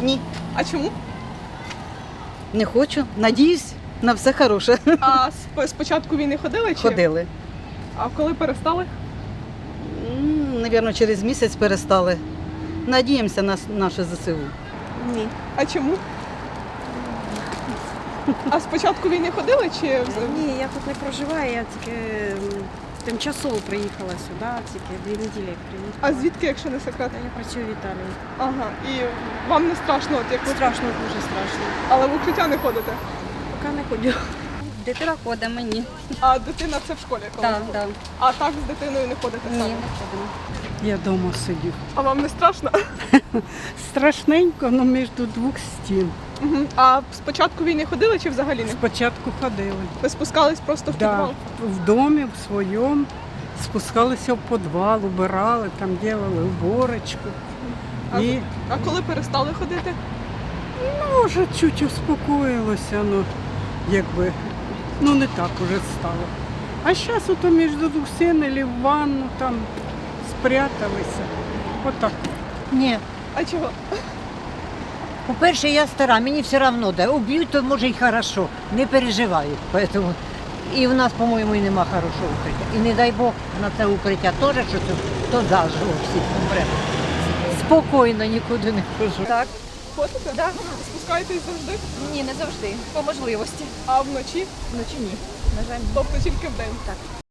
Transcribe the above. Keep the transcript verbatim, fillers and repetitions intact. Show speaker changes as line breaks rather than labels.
Ні,
А чому?
не хочу. Надіюсь на все хороше.
А з, з початку війни ходили чи?
Ходили.
А коли перестали?
М, Навірно, через місяць перестали. Надіємося на с- наше ЗСУ.
Ні.
А чому? А з початку війни ходили чи взагалі?
Ні, я тут не проживаю, я тільки м, тимчасово приїхала сюди, тільки дві неділі як приїхала.
А звідки, якщо не секрет?
Я працюю в Італії.
Ага. І вам не страшно, от як ви...
Страшно, дуже страшно.
Але в укриття не ходите.
Поки не ходю.
Дитина ходить мені.
А дитина це в школі коли?
Так, так.
А так з дитиною не ходите
Ні,
саме?
не ходимо.
Я вдома сидю.
А вам не страшно?
Страшненько, але між двох стін.
Мгм. А з початку війни ходили чи взагалі не?
Спочатку ходили.
Ви спускались просто в
Да,
підвал?
в домі, в своєму. Спускалися в підвал, убирали, там робили уборочку.
А,
І
а коли перестали ходити?
може чуть успокоїлося, ну якби ну не так уже стало. А зараз ото між двох стін або в ванну там спряталися. Отак.
Ні.
А чого?
По-перше, я стара, мені все одно, да. Уб'ють, то може й хорошо. Не переживаю. Поэтому... І в нас, по-моєму, і нема хорошого укриття. І не дай Бог на це укриття теж, що це, то заживо всі помре. Спокійно, нікуди не хожу.
Так.
Ходите?
Да.
Спускаєтесь завжди?
Ні, не завжди. По можливості.
А вночі?
Вночі ні. На жаль, ні.
Тобто тільки вдень?
Так.